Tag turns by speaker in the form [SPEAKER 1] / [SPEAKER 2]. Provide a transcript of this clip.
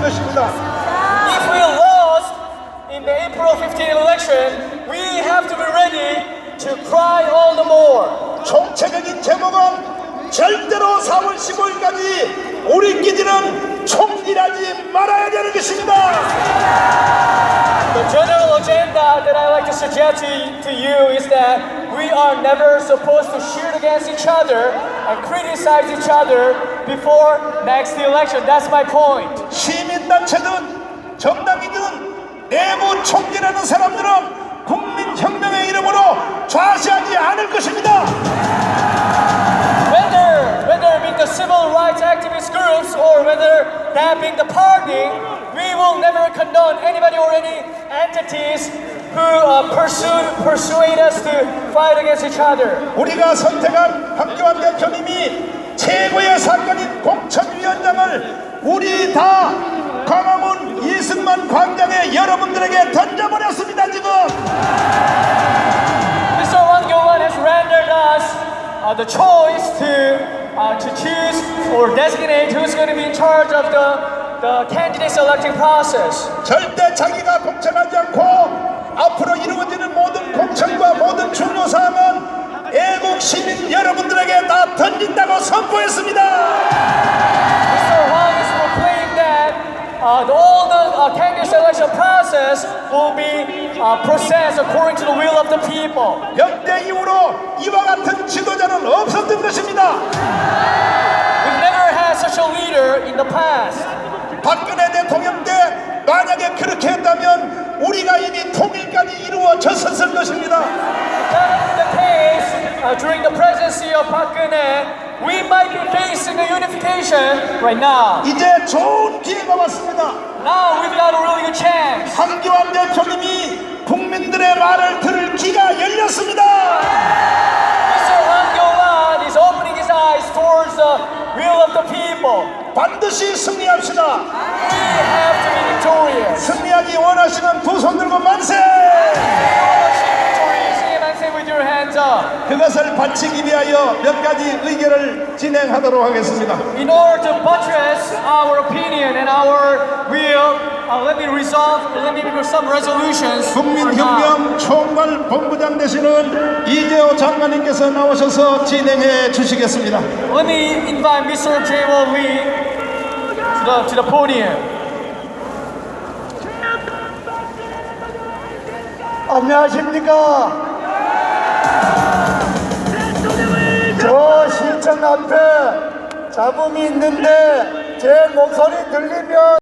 [SPEAKER 1] 것입니다.
[SPEAKER 2] If we lost in the April 15 election, we have to be ready to cry all the more.
[SPEAKER 1] 총체적인 제목은 절대로 4월 15일까지 우리끼리는 총질하지 말아야 되는 것입니다.
[SPEAKER 2] The general agenda that I like to suggest to you is that we are never supposed to shoot against each other and criticize each other before next election. That's my point.
[SPEAKER 1] 시민단체든 정당이든 내부 총질하는 사람들은 국민혁명의 이름으로 좌시하지 않을 것입니다.
[SPEAKER 2] Whether being the civil rights activist groups or whether that being the party, we will never condone anybody or any entities who persuade us to fight against each other.
[SPEAKER 1] 우리가 선택한 황교안 대표님이 최고의 사건인 공천위원장을 우리 다 광화문 이승만 광장에 여러분들에게 던져버렸습니다. 지금
[SPEAKER 2] Mr. Hwang Kyo-won has rendered us the choice to choose or designate who's going to be in charge of the candidate selecting process.
[SPEAKER 1] 절대 자기가 공천하지 않고 앞으로 이루어지는 모든 공천과 모든 중요 사항은 애국 시민 여러분들에게 다 던진다고 선포했습니다.
[SPEAKER 2] Mr. Hwang is proclaimed that all the candidate selection process will be processed according to the will of the people.
[SPEAKER 1] 역대 이후로 이와 같은 지도자는 없었던 것입니다.
[SPEAKER 2] We've never had such a leader in the past.
[SPEAKER 1] 박근혜 대통령 때 만약에 그렇게 했다면 우리가 이미 통일까지 이루어졌었을 것입니다.
[SPEAKER 2] That the case during the presidency of Park Geun-hye, we might be facing a unification right now.
[SPEAKER 1] 이제 좋은 기회가 왔습니다.
[SPEAKER 2] Now we've got a really good chance.
[SPEAKER 1] 황교안 대표님이 국민들의 말을 들을 귀가 열렸습니다.
[SPEAKER 2] Mr. Hwang Kyo-won is opening his eyes towards the will of the people.
[SPEAKER 1] 반드시 승리합시다.
[SPEAKER 2] We have to be victorious.
[SPEAKER 1] 승리하기 원하시는 두 손 들고 만세!
[SPEAKER 2] With your hands up.
[SPEAKER 1] 그것을 바치기 위하여 몇 가지 의견을 진행하도록 하겠습니다.
[SPEAKER 2] In order to buttress our opinion and our will, let me make some resolutions.
[SPEAKER 1] 국민혁명 총괄 본부장 되시는 이재호 장관님께서 나오셔서 진행해 주시겠습니다.
[SPEAKER 2] Let me invite Mr. Jae-won Lee to the podium.
[SPEAKER 1] 안녕하십니까? 저 시청 앞에 잡음이 있는데 제 목소리 들리면